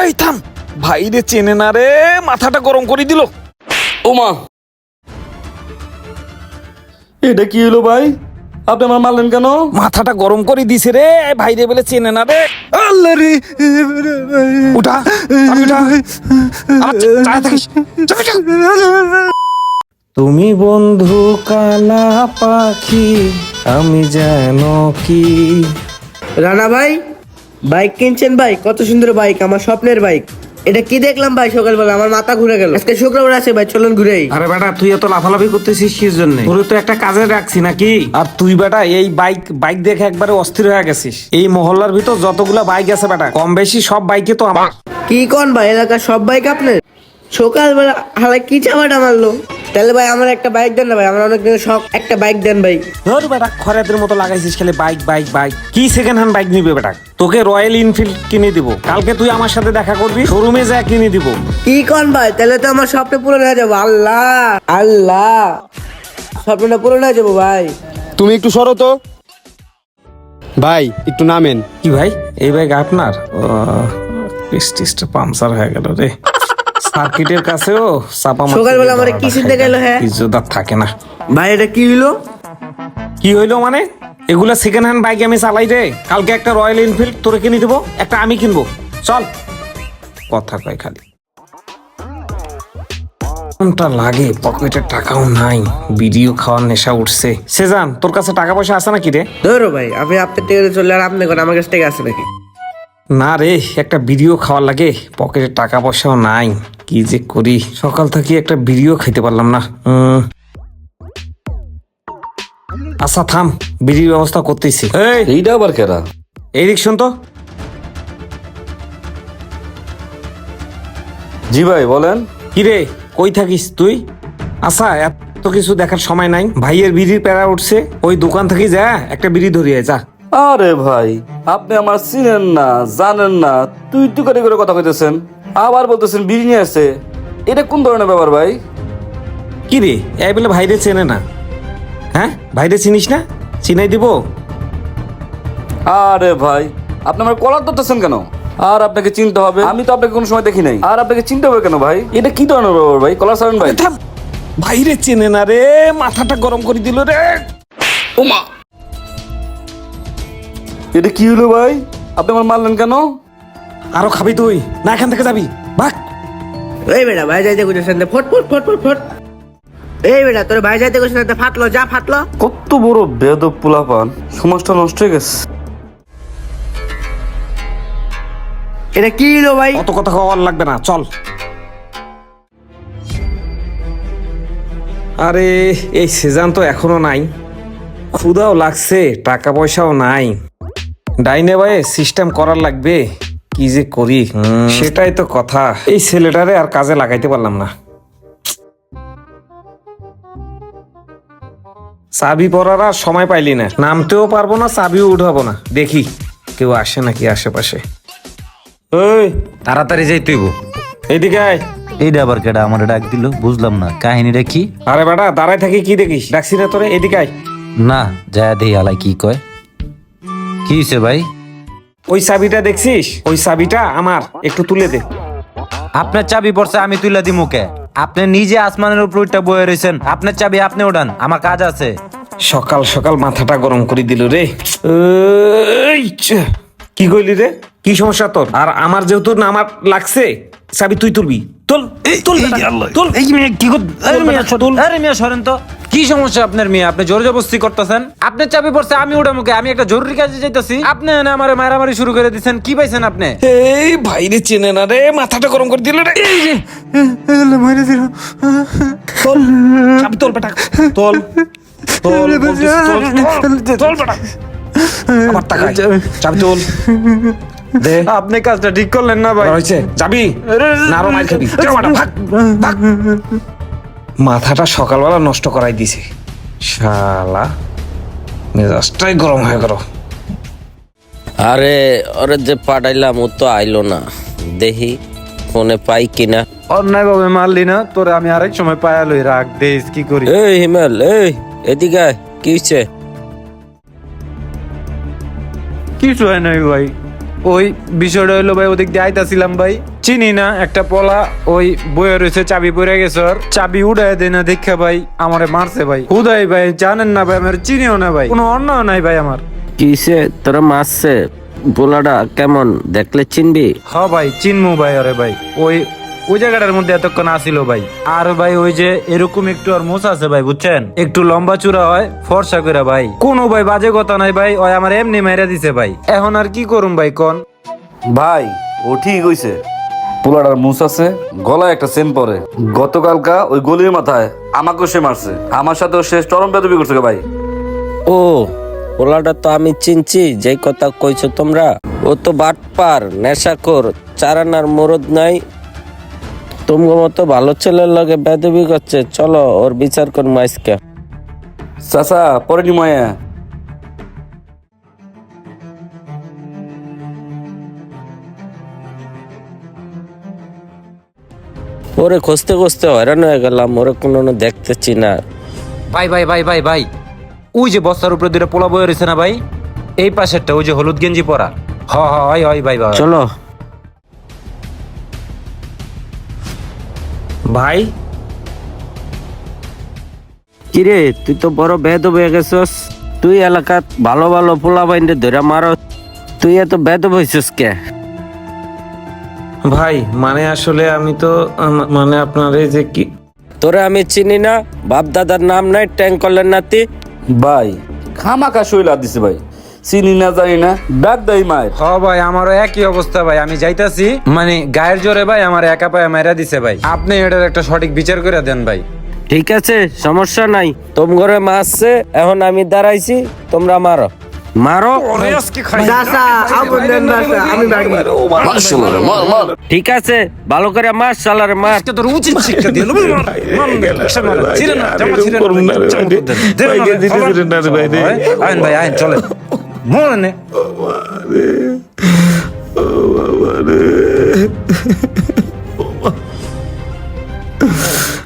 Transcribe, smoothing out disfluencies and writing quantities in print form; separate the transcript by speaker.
Speaker 1: এই থাম, ভাই রে চেনে না রে, মাথাটা গরম করে দিল।
Speaker 2: ওমা, এটা কি হলো ভাই? আপনি আমার মারলেন কেন?
Speaker 1: মাথাটা গরম করে দিছে রে, ভাই রে বলে চেনে না রে।
Speaker 2: আল্লাহ রে,
Speaker 1: উঠা, চাবি উঠা। আবার চালায় থাকিস, চাবি উঠা। তুমি বন্ধু কালা পাখি, আমি যেন কি।
Speaker 3: রানা ভাই, বাইক কিনছেন ভাই? কত সুন্দর বাইক, আমার স্বপ্নের বাইক। এটা কি দেখলাম ভাই সকালবেলা, আমার মাথা ঘুরে গেল। আজকে শুক্রবার আছে ভাই, চলুন ঘুরেই।
Speaker 1: আরে বেটা, তুই এত লাফালাফি করতেছিস কিস জন্য? তোর তো একটা কাজে রাখছি নাকি? আর তুই বেটা এই বাইক দেখে একবারে অস্থির হয়ে গেছিস। এই মহল্লার ভিতর যতগুলা বাইক আছে বেটা, কম বেশি সব বাইকে তো আমার।
Speaker 3: কি কোন ভাই, এলাকার সব বাইক আপনার? সকালবেলা হালাই কি চামাটা মারলো। তাহলে ভাই আমার একটা বাইক দেন না ভাই, আমার অনেক দিনের শখ, একটা বাইক দেন ভাই।
Speaker 1: ধর বেটা, খরাতের মতো লাগাইছিস খালি বাইক বাইক বাইক। কি সেকেন্ড হ্যান্ড বাইক নিবে বেটা? তোকে রয়্যাল এনফিল্ড কিনে দিব, কালকে তুই আমার সাথে দেখা করবি, শোরুমে যা কিনে দিব।
Speaker 3: কি কোন ভাই, তাহলে তো আমার স্বপ্ন পূরণ হয়ে যাবো। আল্লাহ আল্লাহ, স্বপ্নটা পূরণ হয়ে যাবো ভাই।
Speaker 4: তুমি একটু সরো তো ভাই, একটু নামেন।
Speaker 1: কি ভাই, এই বাইক আপনার? স্টিচটা পাংচার হয়ে গেল রে। সার্কিটের কাছেও চাপা মারতে
Speaker 3: সকালবেলা আমারে কি চিন্তা গেল? হ্যাঁ
Speaker 1: ইজ্জত আর থাকে না।
Speaker 3: ভাই, এটা কি হইলো?
Speaker 1: কি হইলো মানে? এগুলা সেকেন্ড হ্যান্ড বাইক আমি চালাই রে। কালকে একটা রয়্যাল এনফিল্ড তোরে কিনে দেবো, একটা আমি কিনবো। চল, কথা কয় খালি। কোনটা লাগে, পকেটে টাকাও নাই, ভিডিও খাওয়ার নেশা উঠছে। সেজান, তোর কাছে টাকা পয়সা আছে নাকি রে?
Speaker 3: ধরো ভাই, আপনি আপনার টেকে চললে আর আপনি কোন আমার কাছ থেকে আছে নাকি?
Speaker 1: না রে, একটা ভিডিও খাওয়ার লাগে, পকেটে টাকা পয়সাও নাই। কি যে করি, সকাল থেকে একটা ভিডিও খাইতে পারলাম না। আচ্ছা থাম, বিড়ির ব্যবস্থা করতেছি। এই,
Speaker 2: এইটা আবার কেরা?
Speaker 1: এই দিক শোন তো।
Speaker 2: জি ভাই বলেন।
Speaker 1: কিরে, কই থাকিস তুই? আচ্ছা, এত কিছু দেখার সময় নাই, ভাইয়ের বিড়ির প্যারা উঠছে, ওই দোকান থেকে যা একটা বিড়ি ধরিয়ে যা।
Speaker 2: আরে ভাই, আপনি আমার চিনেন না, জানেন না, তুই তুই করে কথা কইতেছেন, আবার বলতেছেন বিড়ি নিয়ে আসছে। এটা কোন ধরনের ব্যাপার ভাই?
Speaker 1: কিরে, এই বলে ভাইরে চেনে না? হ্যাঁ, ভাইরে চিনিস না? চিনাই দিব।
Speaker 2: আরে ভাই, আপনি আমার কলার ধরতেছেন কেন? আর আপনাকে চিনতে হবে, আমি তো আপনাকে কোনো সময় দেখি নাই। আর আপনাকে চিনতে হবে কেন ভাই? এটা কি ধরনের ব্যাপার ভাই? কলার ছাড়েন ভাই।
Speaker 1: থাম, ভাইরে চেনে না রে, মাথাটা গরম করে দিল রে।
Speaker 2: ওমা, এটা কি হলো ভাই? আপনি আমার মারলেন কেন?
Speaker 1: আরো খাবি তুই? না এখান থেকে যাবি, ভাগ।
Speaker 3: এই বেটা, ভাই যাইতে কইছেন না, ফট ফট ফট ফট ফট। এই বেটা, তোর ভাই যাইতে কইছেন না, ফাটলো, যা ফাটলো।
Speaker 2: কত বড় বেয়াদব পোলাপান, সমাজটা নষ্ট হয়ে গেছে।
Speaker 3: এটা কি হলো ভাই?
Speaker 1: অত কথা খাওয়ার লাগবে না, চল। আরে, এই সেজান তো এখনো নাই, ক্ষুধাও লাগছে, টাকা পয়সাও নাই। ডাইনে ভাই সিস্টেম করার লাগবে, কি যে করি। সেটাই তো কথা, এই ছেলেটারে আর কাজে লাগাইতে পারলাম না। চাবি পরার আর সময় পাইলি না, নামতেও পারবো না, চাবিও উঠাবো না। দেখি কেউ আসে নাকি আশেপাশে। ওই,
Speaker 5: তাড়াতাড়ি যাইতে হইব।
Speaker 1: এইদিকে আয়।
Speaker 5: এইটা আবার কেডা আমার ডাক দিল, বুঝলাম না কাহিনীটা কি।
Speaker 1: আরে বেটা, দাঁড়ায় থাকি কি দেখিস? ডাকছি না তোরে, এদিকে আয়।
Speaker 5: না, যায় দেই আলাই কি কয়। কি হইছে ভাই?
Speaker 1: ওই চাবিটা দেখছিস? ওই চাবিটা আমার, একটু তুলে দে।
Speaker 5: আপনার চাবি পড়ছে, আমি তুইলা দিমু কে? আপনি নিজে আসমানের উপর উঠটা বয়ে রয়েছেন, আপনার চাবি আপনি ওঠান, আমার কাজ আছে।
Speaker 1: সকাল সকাল মাথাটা গরম করে দিল রে। এই, কি কইলি রে? কি সমস্যা তোর? আর আমার যেহেতু না আমার লাগছে, চাবি তুই তুলবি। তুল, তুল বেটা, তুল।
Speaker 5: এই মেয়ে কি কর? আরে মিয়া
Speaker 1: তুল।
Speaker 5: সরেন, আরে মিয়া সরেন তো। কি সমস্যা আপনার মেয়ে? আপনি জোর জবরদস্তি করতেছেন। আপনার চাবি পড়ছে, আমি ওটা মুখে, আমি একটা জরুরি কাজে যাইতাছি, আপনি এনে আমারে মারামারি শুরু করে দিচ্ছেন। কি পাইছেন আপনি?
Speaker 1: এই ভাইরে চেনে না রে, মাথাটা গরম করে দিল রে। এই যে, তোল, চাবি তোল বেটা, তোল, তোল, বলতেছি, তোল, তোল, তোল বেটা। আবার তাকাই, চাবি তোল। দে,
Speaker 5: আপনি কাজটা ঠিক করলেন না ভাই।
Speaker 1: হয়েছে, যাবি না আরো মার খাবি? যা বেটা, ভাগ, ভাগ। মাথাটা সকালবেলা নষ্ট করাই দিছে শালা, মেজাজটাই গরম হয়ে গেল।
Speaker 6: আরে ওরে যে পাঠাইলাম ও তো আইলো না, দেখি ফোনে পাই কিনা।
Speaker 5: অন্যায় ভাবে মারলি না তোরে, আমি আরেক সময় পায়া লই, রাখ দেশ কি করি।
Speaker 6: এই হিমেল, এই এদিকে আয়, কি হইছে?
Speaker 5: কিছু হয় নাই ভাই, ওই বিষয়টা হইলো ভাই, ওদিক দিয়ে আইতাছিলাম ভাই, চিনি না একটা পলা ওই বয়ে রয়েছে, চাবি পড়ে গেছে, ওর চাবি উড়াই দেয় না দেখা ভাই আমারে মারছে ভাই। হুদাই ভাই জানেন না ভাই, আমার চিনিও না ভাই, কোনো অন্যায় নাই ভাই আমার।
Speaker 6: কিসে তোরা মারছে? পোলাটা কেমন দেখলে চিনবি?
Speaker 5: হ ভাই চিনমু ভাই, আরে ভাই ওই ওই জায়গাটার মধ্যে এতক্ষণ আসিল ভাই। আর ভাই ওই যে এরকম একটু আর মোছা আছে ভাই, বুঝছেন, একটু লম্বা চূড়া হয়, ফর্সা করে ভাই, কোনো ভাই বাজে কথা নাই ভাই, ওই আমার এমনি মাইরা দিছে ভাই। এখন আর কি করুম ভাই কোন?
Speaker 2: ভাই ও ঠিক হইছে, পোলাটার মুস আছে, গলায় একটা চেন পরে, গতকালকা ওই গলির মাথায় আমাকেও সে মারছে, আমার সাথেও সে চরম বেদবি করছে ভাই।
Speaker 6: ও পোলাটা তো আমি চিনছি, যেই কথা কইছো তোমরা। ও তো বাটপার, নেশাখোর, চারানার মরদ নাই। তোমার মতো ভালো ছেলের লগে বেদবি করছে, চলো ওর বিচার করবো আজকে।
Speaker 2: চাচা পরে নি মায়া।
Speaker 6: ওরে খুঁজতে খুঁজতে হয়রান হয়ে গেলাম, ওরে কোনো দেখতেছি না।
Speaker 5: ভাই ভাই ভাই ভাই ভাই, ওই যে বস্তার উপরে দুটো পোলা বয়ে রয়েছে না ভাই, এই পাশেরটা, ওই যে হলুদ গেঞ্জি পরা। হ হ হয় হয় ভাই ভাই।
Speaker 6: চলো।
Speaker 1: ভাই
Speaker 6: কিরে তুই তো বড় বেদব হয়ে গেছস, তুই এলাকাত ভালো ভালো পোলা বাইন্ডে ধরে মারো, তুই এত বেদব হয়েছিস কে?
Speaker 1: ভাই মানে আসলে আমি তো মানে আপনার এই যে কি
Speaker 6: তোরে আমি চিনি না, বাপ দাদার নাম নাই, ট্যাঙ্কলের নাতি।
Speaker 2: ভাই খামাকা শৈলা দিছে ভাই, চিনি না জানি না, ডাক দেয় মায়ের।
Speaker 5: হ ভাই আমারও একই অবস্থা ভাই, আমি যাইতাছি মানে গায়ের জোরে ভাই আমার একা পায়ে মাইরা দিছে ভাই, আপনি এটার একটা সঠিক বিচার করে দেন ভাই।
Speaker 6: ঠিক আছে সমস্যা নাই, তোম ঘরে মারছে, এখন আমি দাঁড়াইছি, তোমরা মারো মারো।
Speaker 3: চাচা আপন দেন চাচা, আমি বাড়ি
Speaker 6: ঠিক আছে ভালো করে মার, শালারে মার।
Speaker 5: আজকে তোর উচিত শিক্ষা দিল আইন ভাই আইন চলে মনে